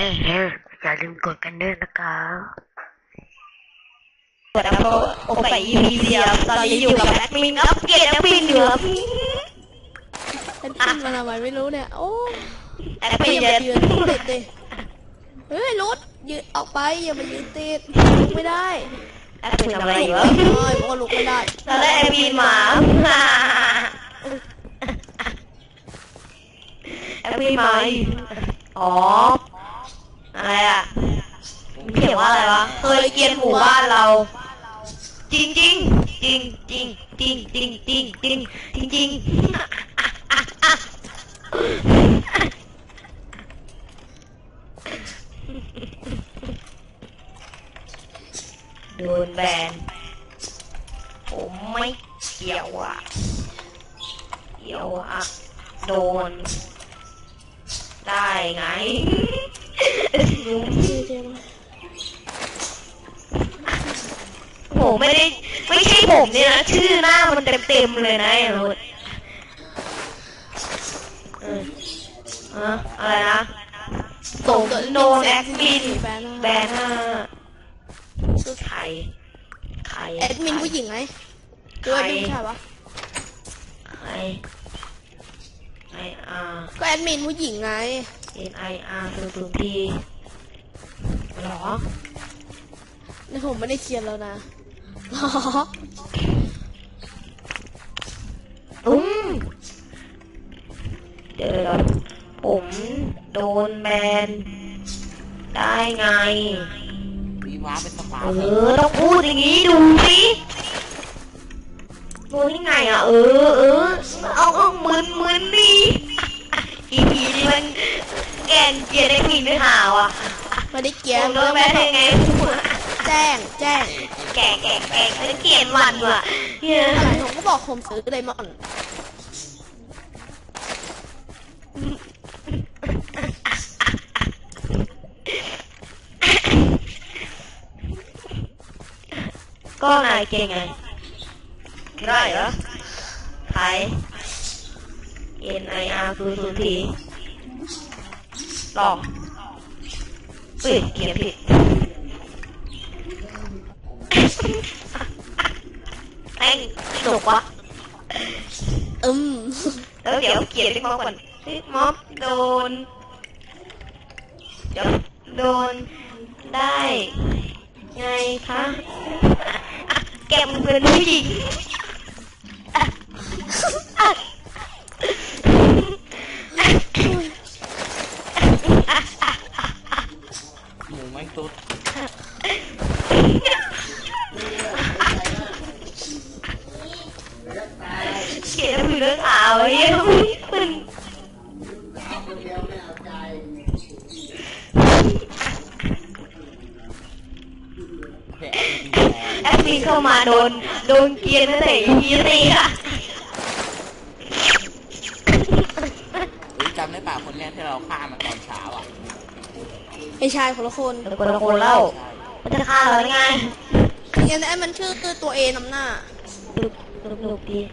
อย่าลืมกดกันด้วยนะครับกดแล้วก็โอไปอีพีเดียวตอนนี้อยู่กับแอดมินอัปเกรดแอดมินอยู่ครับแอดมินมาทำไมไม่รู้เนี่ยโอ้แอดมินจะยืนติดเลยเฮ้ยรถยืนออกไปอย่ามายืนติดลุกไม่ได้แอดมินทำอะไรอยู่บอกว่าลุกไม่ได้ตอนแรกแอดมินมาแอดมินมาอ๋ออะไรอ่ะเขียนว่าอะไรวะเคยเกียนหมู่บ้านเราจริงจริงจริงจริงจริงจริงจริงจริงจริงจริงโดนแบนผมไม่เกี่ยวอ่ะโดนได้ไงผมไม่ใช่ผมเนี่ยนะชื่อหน้ามันเต็มเลยนะไอ้รถอะไรนะส่งโดนแอดมินแบนชื่อใครแอดมินผู้หญิงไงตัวแอดมินใช่ปะใครก็แอดมินผู้หญิงไง NIR คือทีหรอนี่ผมไม่ได้เขียนแล้วนะเดี๋ยวผมโดนแบนได้ไงวีว้าเป็นสปาต้องพูดอย่างนี้ดูสิโดนยังไงอ่ะเอามึนนี่อีพีนี่มันแกนเกียร์ได้ผิดไม่หาวอ่ะไม่ได้เกียร์โดนแบนยังไงแจ้งแกเกียร์วันว่ะอะไรผมก็บอกผมซื้อไดมอนด์ก็นายเก่งไงได้เหรอใคร NIR คือสุธีต่อเขียนผิดแม่งสนุกวะแล้วเดี๋ยวเขียนติ๊กม็อบก่อนติ๊กม็อบโดนได้ไงคะแกมเป็นผู้หญิงหมูไม่ตุ๊ดเขียนเรื่องข่าวเยอะมันแอดมินเข้ามาโดนเกียร์นั่นแหละยีตีค่ะจำได้ป่ะคนแรกที่เราฆ่ามันตอนเช้าอ่ะไอ้ชายคนละคนเล่ามันจะฆ่าเราได้ไงงั้นไอ้มันชื่อตัวเอนำหน้าลูกดี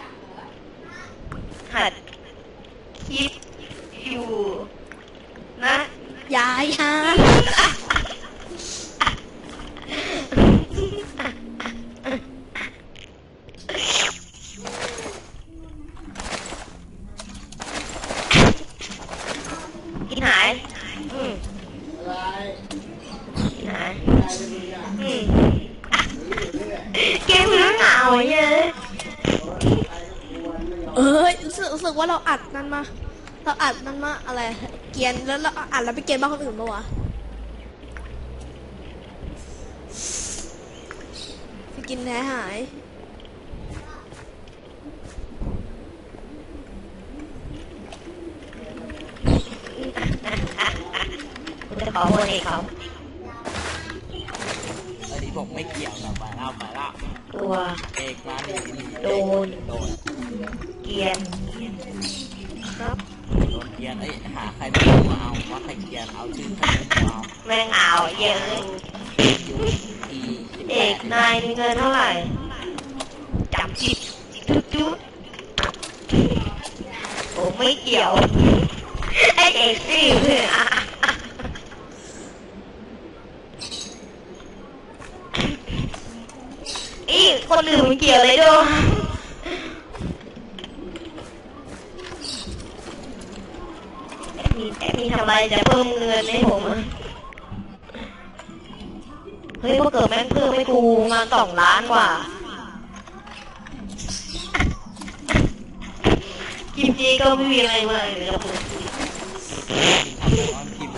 หัดคิดอยู่นะยายฮะกินหายเกมเรื่องเหงาเยอะรู้สึกว่าเราอัดนั่นมาอะไรเกียนแล้วเราอัดแล้วไปเกียนบ้านคนอื่นปะวะไปกินแท้หายจะขอโทษเองเขาอันนี้บอกไม่เกี่ยวนะไปแล้วตัวเอกมาโดนเกียนครับโดนเกียนหาใครไม่มาเอาว่าใครเกียนเอาชื่อใครเอาแม่งเอาเยอะเอกนายมีเงินเท่าไหร่จับจิตจุ๊ผมไม่เกี่ยวไอเอกสิสื่อมันเกี่ยวอะไรด้วยแอดมินทำอะไรจะเพิ่มเงินให้ผมอะเฮ้ยพอเกิดแม่งเพิ่มให้กูงาน2 ล้านกว่ากิมจีก็ไม่มีอะไรมากเลยครับผมออนพิมพ์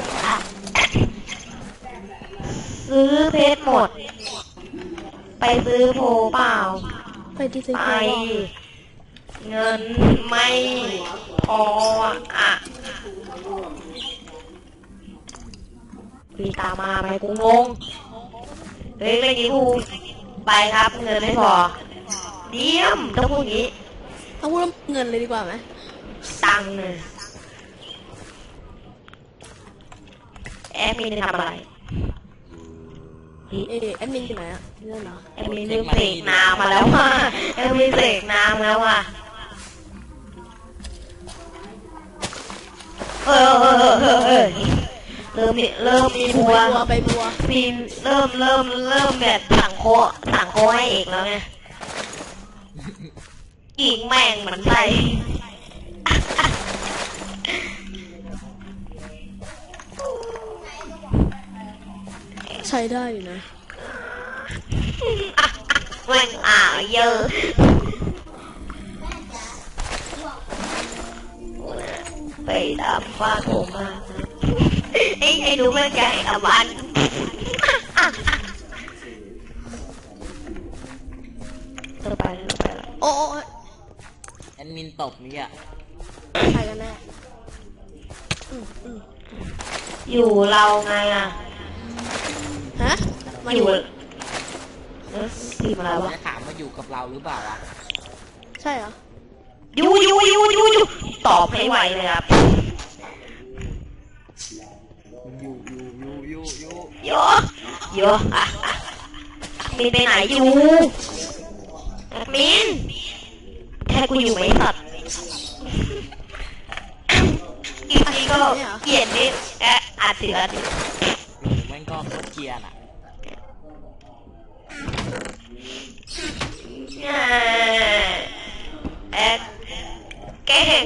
ซื้อเพชรหมด ไปซื้อโพเปล่าไปที่ซื้อไปโพลเงินไม่พออ่ะพี่ตามมาไหมกูงงเฮ้ยเมื่อกี้กูไปครับเงินไม่พอเดี่ยมต้องพูดอย่างนี้เอาพูดเงินเลยดีกว่าไหมตังค์เนี่ยแอดมินจะทำอะไรแอดมินอยู่ไหนอะเงินเหรอแอดมินเสกน้ำมาแล้วว่ะแอดมินเสกน้ำแล้วว่ะเริ่มมีบัวไปบัวมีเริ่มแบบสั่งโคให้เอกแล้วไงอีกแม่งเหมือนใส่ใช้ได้อยู่นะแม่งเยอะไปตามฟ้าผมมาไอ้ดูแม่งใหญ่ตะวันไปแล้วโอ้แอดมินตบนี่อ่ะใครกันแน่อยู่เราไงอ่ะฮะมาออยู่ทีมอะไรวะจะถามว่าอยู่กับเราหรือเปล่าอ่ะใช่เหรออยู่ตอบให้ไวเลยครับอยู่โยมินไปไหนอยู่มินแค่กูอยู่ไหมสัตว์อีกทีก็เกลียดนิดอัดเสืออยู่แม่งก็โคตรเกรียนอ่ะแกล้ง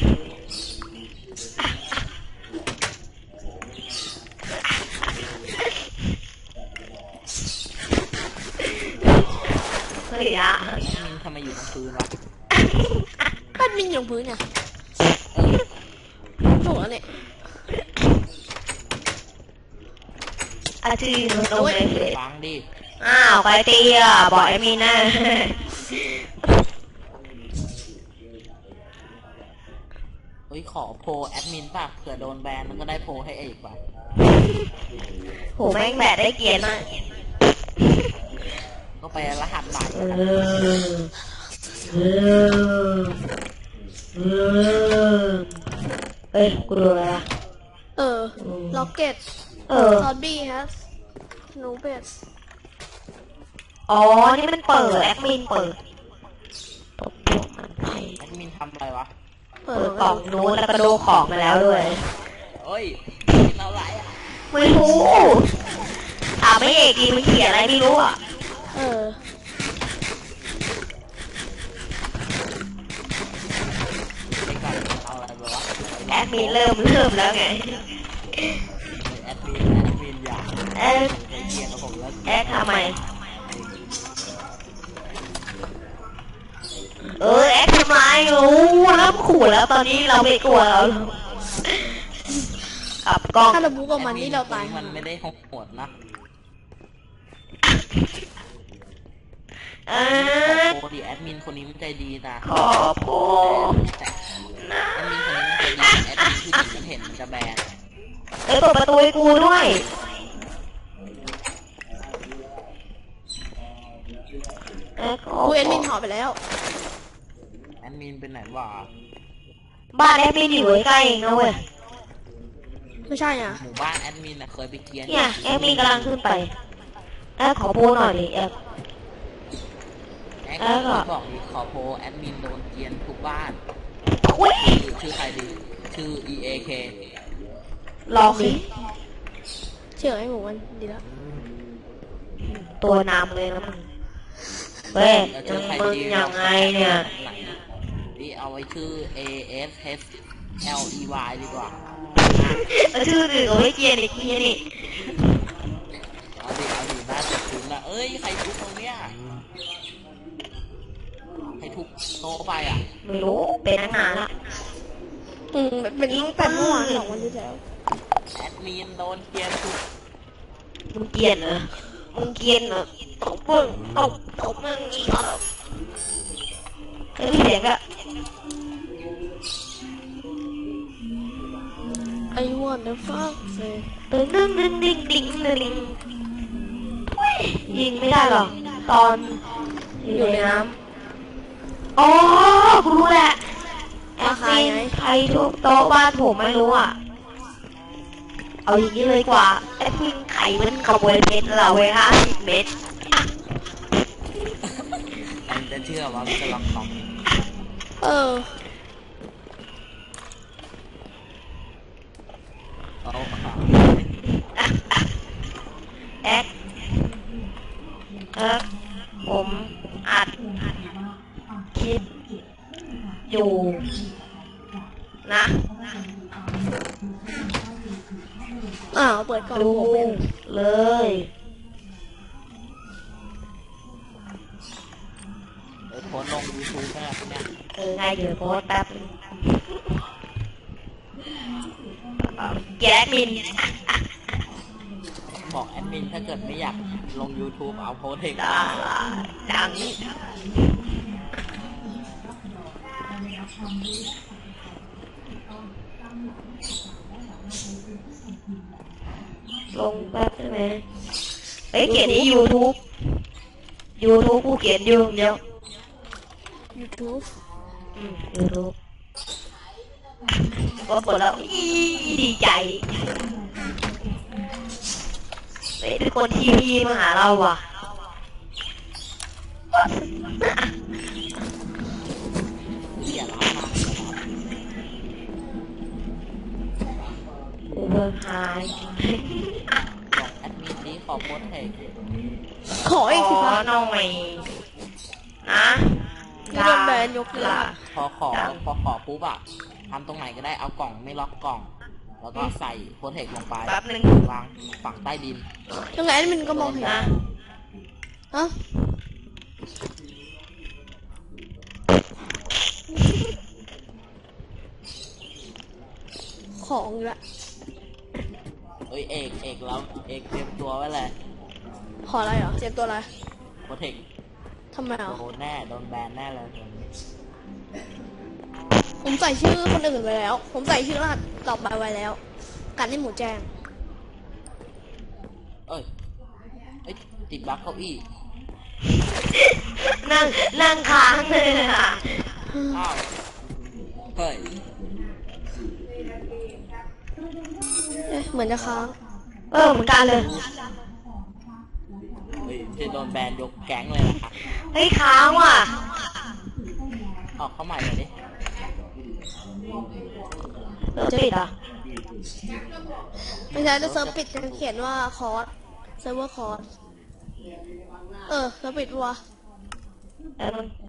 เฮ้ยอะแอดมินทำไมอยู่ตรงพื้นวะแอดมินอยู่พื้นเนี่ยถูกแล้วเนี่ยอาชีพตรงไหนเลยฟังดิอ้าวใครตีอ่ะบอกไอ้มีนะเฮ้ยขอโพลแอดมินป่ะเผื่อโดนแบนมันก็ได้โพลให้เอกป่ะโหแม่งแบดได้เกียรติมากก็ไปรหัสใหม่เฮ้ยกูดูอะไรวะล็อกเก็ตซอมบี้ฮะหนูเป็ดอ๋อนี่มันเปิดแอดมินเปิดตบพวกมันให้แอดมินทำอะไรวะเปิเปิดดกล่องนู้นแล้วก็ดูของมาแล้วด้วยเอ้ยกินอะไรอ่ะไม่รู้ถามไม่เอกดีมันเขียนอะไรไม่รู้อ่ะไปก่อนเอาอะไรไปวะแอดมินเริ่มแล้วไงแอดมินอย่าแอดเคยเกรียนกับผมแล้วแอดทำไมแอดทำไมโอ้เริ่มขู่แล้วตอนนี้เราไม่กลัวแล้วขับกล้องถ้าเราบุกกับมันนี่เราตายมันไม่ได้โหดนะเอโอ้ดิแอดมินคนนี้มันใจดีนะขอโพแต่แอดมินคนนี้มันใจดีแอดมินผู้หญิงมันเห็นมันจะแบนเปิดประตูให้กูด้วยกูแอดมินหอไปแล้วแอดมินเป็นไหนวะบ้านแอดมินอยู่ใกล้ๆเองนะเว้ยไม่ใช่อ่ะหมู่บ้านแอดมินเคยไปเกรียนเนี่ยแอดมินกำลังขึ้นไปขอโพหน่อยดิแอดก็บอกดิขอโพแอดมินโดนเกรียนทุกบ้านอุ้ยชื่อใครดีชื่อ EAK ลองดิเชื่อไอ้หมูมันดีแล้วตัวนำเลยนะมึงเว้ยแล้วยัชื่อง ใครมึงดียังไงเนี่ยไหนนี่เอาไว้ชื่อ A S H L E Y ดีกว่าแล้วชื่ออื่นก็ไม่เกรียนอีกทีนี่เอาดิน่าจะคุ้นละเอ้ยใครทุบตรงเนี้ยใครทุบโต๊ะไปอ่ะไม่รู้เป็นตั้งนานละเป็นตั้งแต่เมื่อวาน2 วันที่แล้วแอดมินโดนเกียร์ทุบมึงเกรียนเหรอมึงเกรียนเหรอตบมึงตบมึงอีกเหรอเฮ้ยเสียงอะไอ้วันเดอร์ฟักเซ่ตึ้งดึงยิงไม่ได้หรอกตอนอยู่ในน้ำอ๋อกูรู้แหละแอดมินใครทุบโต๊ะบ้านผมไม่รู้อ่ะเอาอย่างนี้เลยกว่าแอดมินไข่มันขโมยเม็ดเราเว้ย50 เม็ดมันจะเชื่อว่ามันจะลองของเออเอาค่ะแอดผมอัดคลิปอยู่นะเปิดกล่องดูผมเป็นเลยโพสต์ลง YouTube นะเนี่ยไงเดี๋ยวโพสต์แป๊บนึงแกมินบอกแอดมินถ้าเกิดไม่อยากลง YouTube เอาโพสต์เองดังลงแป๊บใช่ไหมเฮ้ยเขียนที่ YouTube กูเขียนอยู่เดียว YouTube YouTube ก็เปิดแล้วอีดีใจเฮ้ยทุกคนทีวีมาหาเราว่ะอย่าล้ามากูเบิ่งหายบอกแอดมินนี้ขอโพสต์เองขออีกสิขคะอหน่อยนะที่โดนแบนยกเลิกพอขอปุ๊บอะทำตรงไหนก็ได้เอากล่องไม่ล็อกกล่อง แล้วก็ใส่โพสต์เทคลงไปแป๊บนึงวางฝังใต้ดินยังไงมันก็มองเห็นนะฮะของอีกละเอ้ยเอกแล้วเอกเตรียมตัวไว้เลยขออะไรเหรอเจ็บตัวอะไรโพสต์เทคทำไมอ่ะโดนแน่โดนแบนแน่เลยผมใส่ชื่อคนอื่นไว้แล้ว ผมใส่ชื่อรหัสต่อไปไว้แล้ว การให้หมูแจ้งเอ้ยติดบั๊กเก้าอี้นั่งค้างเลยอ่ะอ้าวเฮ้ยเหมือนจะค้างเหมือนกันเลยจะโดนแบนยกแก๊งเลยนะครับเฮ้ยค้างว่ะออกเข้าใหม่เลยดิเราจะปิดอ่ะไม่ใช่จะเซิร์ฟปิดจะเขียนว่าคอร์สเซิร์ฟเวอร์คอร์สเซิร์ฟปิดวะแล้วมัน